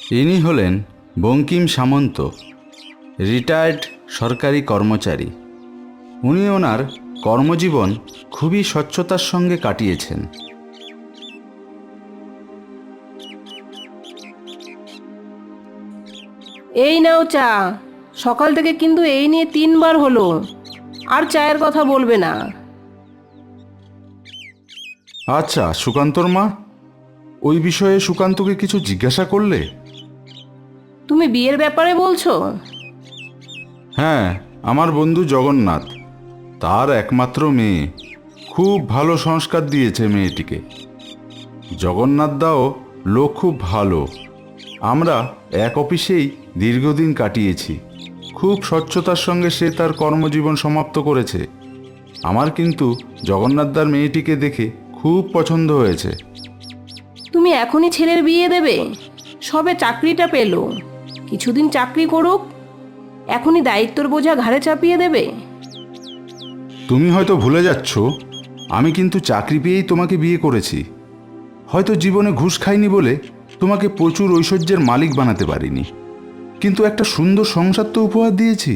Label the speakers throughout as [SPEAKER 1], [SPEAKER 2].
[SPEAKER 1] ইনি হলেন বঙ্কিম সামন্ত, রিটায়ার্ড সরকারি কর্মচারী। উনি ওনার কর্মজীবন খুবই স্বচ্ছতার সঙ্গে কাটিয়েছেন।
[SPEAKER 2] এই নাও চা। সকাল থেকে কিন্তু এই নিয়ে 3বার হলো। আর চায়ের কথা বলবে না।
[SPEAKER 1] আচ্ছা সুকান্তর মা, ওই বিষয়ে সুকান্তকে কিছু জিজ্ঞাসা করলে?
[SPEAKER 2] তুমি বিয়ের ব্যাপারে বলছো?
[SPEAKER 1] হ্যাঁ, আমার বন্ধু জগন্নাথ, তার একমাত্র মেয়ে। খুব ভালো সংস্কার দিয়েছে মেয়েটিকে। জগন্নাথ দাও লোক খুব ভালো। আমরা এক অফিসেই দীর্ঘদিন কাটিয়েছি। খুব স্বচ্ছতার সঙ্গে সে তার কর্মজীবন সমাপ্ত করেছে। আমার কিন্তু জগন্নাথদার মেয়েটিকে দেখে খুব পছন্দ হয়েছে।
[SPEAKER 2] তুমি এখনই ছেলের বিয়ে দেবে? সবে চাকরিটা পেলো, কিছুদিন চাকরি করুক, এখনই দায়িত্বর বোঝা ঘাড়ে চাপিয়ে দেবে?
[SPEAKER 1] তুমি হয়তো ভুলে যাচ্ছ, আমি কিন্তু চাকরি পেয়েই তোমাকে বিয়ে করেছি। হয়তো জীবনে ঘুষ খাইনি বলে তোমাকে প্রচুর ঐশ্বর্যের মালিক বানাতে পারিনি, কিন্তু একটা সুন্দর সংসার তো উপহার দিয়েছি।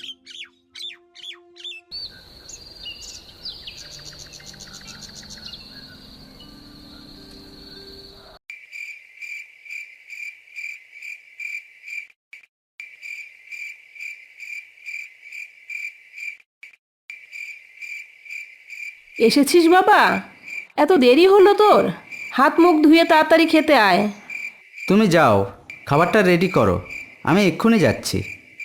[SPEAKER 2] এসেছিস বাবা? এত দেরি হলো তোর? হাত মুখ ধুয়ে তাড়াতাড়ি খেতে আয়।
[SPEAKER 3] তুমি যাও, খাবারটা রেডি করো, আমি এক্ষুনি যাচ্ছি।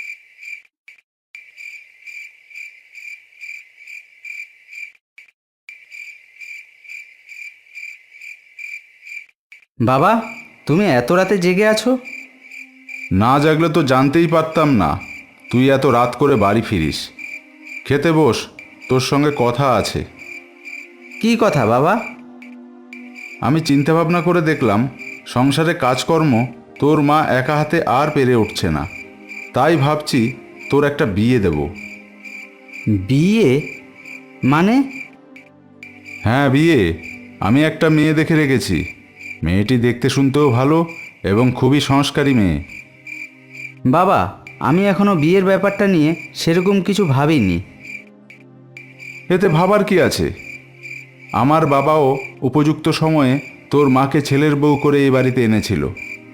[SPEAKER 3] বাবা, তুমি এত রাতে জেগে আছো?
[SPEAKER 1] না জাগলে তো জানতেই পারতাম না তুই এত রাত করে বাড়ি ফিরিস। খেতে বস, তোর সঙ্গে কথা আছে।
[SPEAKER 3] কি কথা বাবা?
[SPEAKER 1] আমি চিন্তাভাবনা করে দেখলাম সংসারে কাজকর্ম তোর মা একা হাতে আর পেরে উঠছে না। তাই ভাবছি তোর একটা বিয়ে দেব।
[SPEAKER 3] বিয়ে মানে?
[SPEAKER 1] হ্যাঁ বিয়ে। আমি একটা মেয়ে দেখে রেখেছি। মেয়েটি দেখতে শুনতেও ভালো এবং খুবই সংস্কারী মেয়ে।
[SPEAKER 3] বাবা, আমি এখনো বিয়ের ব্যাপারটা নিয়ে সেরকম কিছু ভাবিনি।
[SPEAKER 1] এতে ভাবার কি আছে? আমার বাবাও উপযুক্ত সময়ে তোর মাকে ছেলের বউ করে এই বাড়িতে এনেছিল।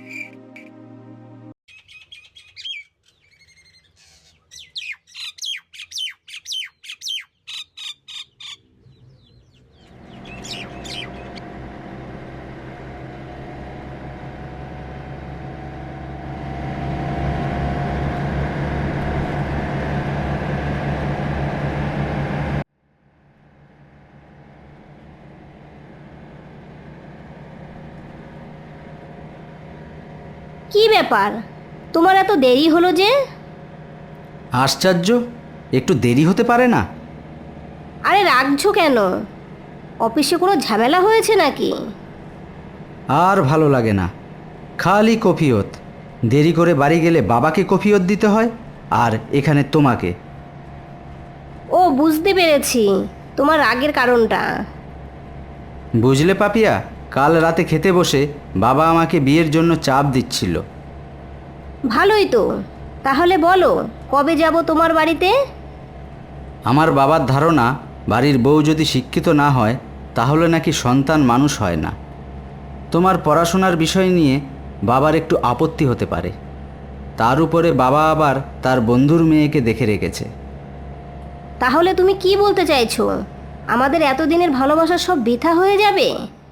[SPEAKER 4] কি ব্যাপার, তোমার এত দেরি হলো যে?
[SPEAKER 3] আশ্চর্য, একটু দেরি হতে পারে না?
[SPEAKER 4] আরে রাখছো কেন? অফিসে কোনো ঝামেলা হয়েছে নাকি?
[SPEAKER 3] আর ভালো লাগে না, খালি কফিয়ত। দেরি করে বাড়ি গেলে বাবাকে কফিয়ত দিতে হয়, আর এখানে তোমাকে।
[SPEAKER 4] ও বুঝতে পেরেছি তোমার রাগের কারণটা।
[SPEAKER 3] বুঝলে পাপিয়া, কাল রাতে খেতে বসে বাবা আমাকে বিয়ের জন্য চাপ দিচ্ছিল।
[SPEAKER 4] ভালোই তো, তাহলে বলো কবে যাব তোমার বাড়িতে?
[SPEAKER 3] আমার বাবার ধারণা, বাড়ির বউ যদি শিক্ষিত না হয় তাহলে নাকি সন্তান মানুষ হয় না। তোমার পড়াশোনার বিষয় নিয়ে বাবার একটু আপত্তি হতে পারে। তার উপরে বাবা আবার তার বন্ধুর মেয়েকে দেখে রেখেছে।
[SPEAKER 4] তাহলে তুমি কি বলতে চাইছো? আমাদের এতদিনের ভালোবাসা সব বৃথা হয়ে যাবে?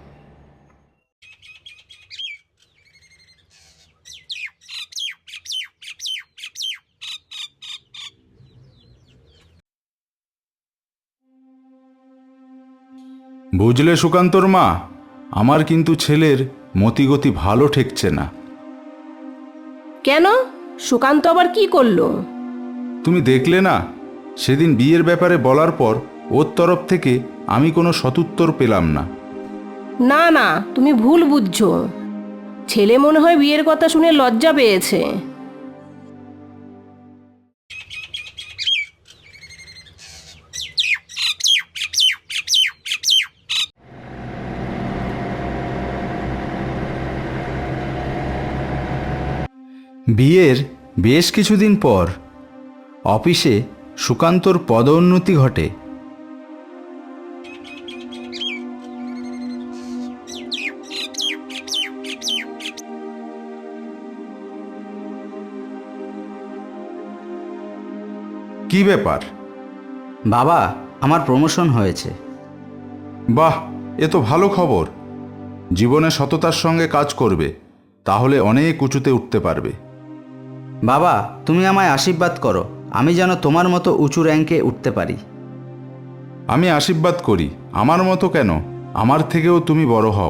[SPEAKER 1] বুঝলে সুকান্তর মা, আমার কিন্তু ছেলের মতিগতি ভালো ঠেকছে না।
[SPEAKER 2] কেন? সুকান্ত আবার কি করলো?
[SPEAKER 1] তুমি দেখলে না, সেদিন বিয়ের ব্যাপারে বলার পর ওর তরফ থেকে আমি কোনো সদুত্তর পেলাম না।
[SPEAKER 2] না না, তুমি ভুল বুঝছো। ছেলে মনে হয় বিয়ের কথা শুনে লজ্জা পেয়েছে।
[SPEAKER 3] বিয়ের বেশ কিছুদিন পর অফিসে সুকান্তর পদোন্নতি ঘটে।
[SPEAKER 1] কি ব্যাপার?
[SPEAKER 3] বাবা, আমার প্রমোশন হয়েছে।
[SPEAKER 1] বাহ, এ তো ভালো খবর। জীবনে সততার সঙ্গে কাজ করবে, তাহলে অনেক উঁচুতে উঠতে পারবে।
[SPEAKER 3] বাবা, তুমি আমায় আশীর্বাদ করো, আমি যেন তোমার মতো উঁচু র্যাঙ্কে উঠতে পারি।
[SPEAKER 1] আমি আশীর্বাদ করি, আমার মতো কেন, আমার থেকেও তুমি বড় হও।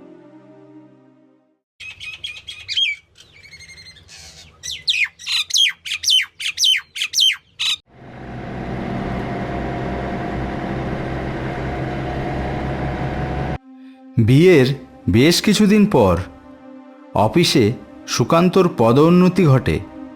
[SPEAKER 3] বিয়ের বেশ কিছুদিন পর অফিসে সুকান্তর পদোন্নতি ঘটে।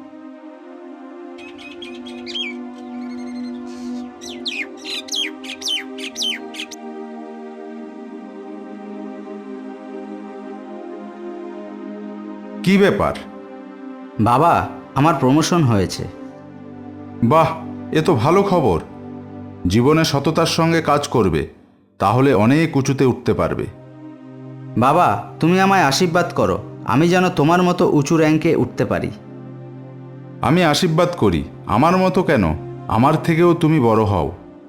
[SPEAKER 1] কি ব্যাপার?
[SPEAKER 3] বাবা, আমার প্রমোশন হয়েছে।
[SPEAKER 1] বাহ, এ তো ভালো খবর। জীবনে সততার সঙ্গে কাজ করবে, তাহলে অনেক উঁচুতে উঠতে পারবে।
[SPEAKER 3] বাবা, তুমি আমায় আশীর্বাদ করো, আমি যেন তোমার মতো উঁচু র্যাঙ্কে উঠতে পারি।
[SPEAKER 1] আমি আশীর্বাদ করি, আমার মতো কেন, আমার থেকেও তুমি বড় হও।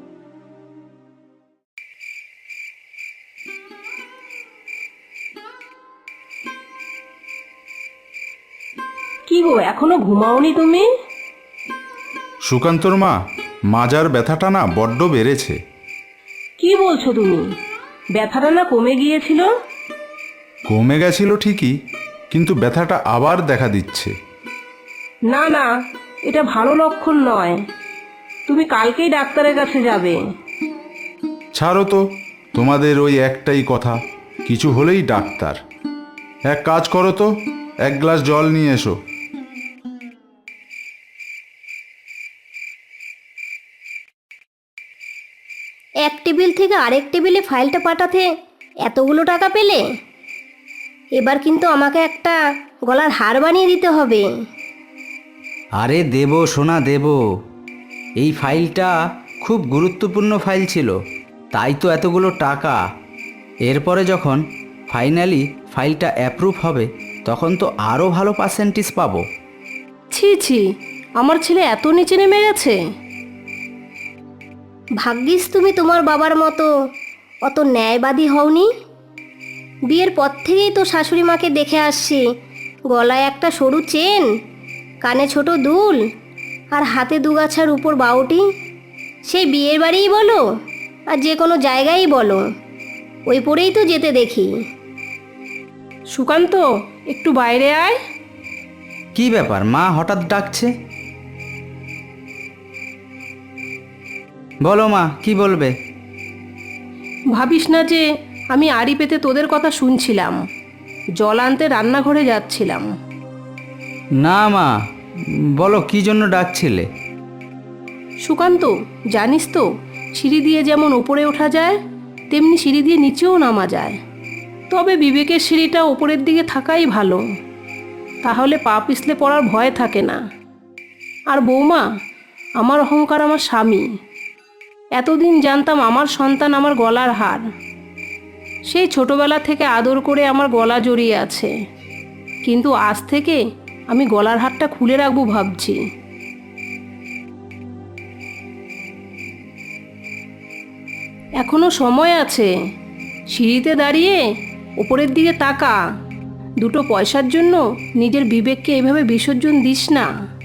[SPEAKER 2] কি গো, এখনো ঘুমাওনি তুমি?
[SPEAKER 1] সুকান্তর মা, মাজার ব্যথাটা না বড্ড বেড়েছে।
[SPEAKER 2] কি বলছো তুমি? ব্যথাটা না কমে গিয়েছিল?
[SPEAKER 1] কমে গেছিল ঠিকই, কিন্তু ব্যথাটা আবার দেখা দিচ্ছে।
[SPEAKER 2] না না, এটা ভালো লক্ষণ নয়। তুমি কালকেই ডাক্তারের কাছে যাবে।
[SPEAKER 1] ছাড়ো তো, তোমাদের ওই একটাই কথা, কিছু হলেই ডাক্তার। এক কাজ করো তো, এক গ্লাস জল নিয়ে এসো।
[SPEAKER 4] এক টেবিল থেকে আরেক টেবিলে ফাইলটা পাঠাতে এতগুলো টাকা পেলে? এবার কিন্তু আমাকে একটা গলার হার বানিয়ে দিতে হবে।
[SPEAKER 3] আরে দেব সোনা, দেব। এই ফাইলটা খুব গুরুত্বপূর্ণ ফাইল ছিল, তাই তো এতগুলো টাকা। এরপরে যখন ফাইনালি ফাইলটা অ্যাপ্রুভ হবে, তখন তো আরও ভালো পার্সেন্টেজ পাবো।
[SPEAKER 2] ছি ছি, আমার ছেলে এত নিচে নেমে গেছে।
[SPEAKER 4] ভাগ্যিস তুমি তোমার বাবার মতো অত ন্যায়বাদী হওনি। বিয়ের পর থেকেই তো শাশুড়ি মাকে দেখে আসছি, গলায় একটা সরু চেন, কানে ছোট দুল, আর হাতে দুগাছার উপর বাউটি। সেই বিয়ের বাড়িই বলো আর যে কোনো জায়গায়ই বলো, ওই পরেই তো যেতে দেখি।
[SPEAKER 2] সুকান্ত, একটু বাইরে আয়।
[SPEAKER 3] কি ব্যাপার, মা হঠাৎ ডাকছে? বলো মা, কি বলবে?
[SPEAKER 2] ভাবিস না যে আমি আড়ি পেতে তোদের কথা শুনছিলাম। জল আনতে রান্নাঘরে যাচ্ছিলাম।
[SPEAKER 3] না মা, বলো কি জন্য ডাকছিলে?
[SPEAKER 2] সুকান্ত, জানিস তো, সিঁড়ি দিয়ে যেমন ওপরে ওঠা যায়, তেমনি সিঁড়ি দিয়ে নিচেও নামা যায়। তবে বিবেকের সিঁড়িটা ওপরের দিকে থাকাই ভালো, তাহলে পা পিছলে পড়ার ভয় থাকে না। আর বৌমা, আমার অহংকার আমার স্বামী। এতদিন জানতাম আমার সন্তান আমার গলার হার। সেই ছোটবেলা থেকে আদর করে আমার গলা জড়িয়ে আছে, কিন্তু আজ থেকে আমি গলার হারটা খুলে রাখবো ভাবছি। এখনো সময় আছে। সিঁড়িতে দাঁড়িয়ে ওপরের দিকে তাকা। দুটো পয়সার জন্য নিজের বিবেককে এভাবে বিসর্জন দিস না।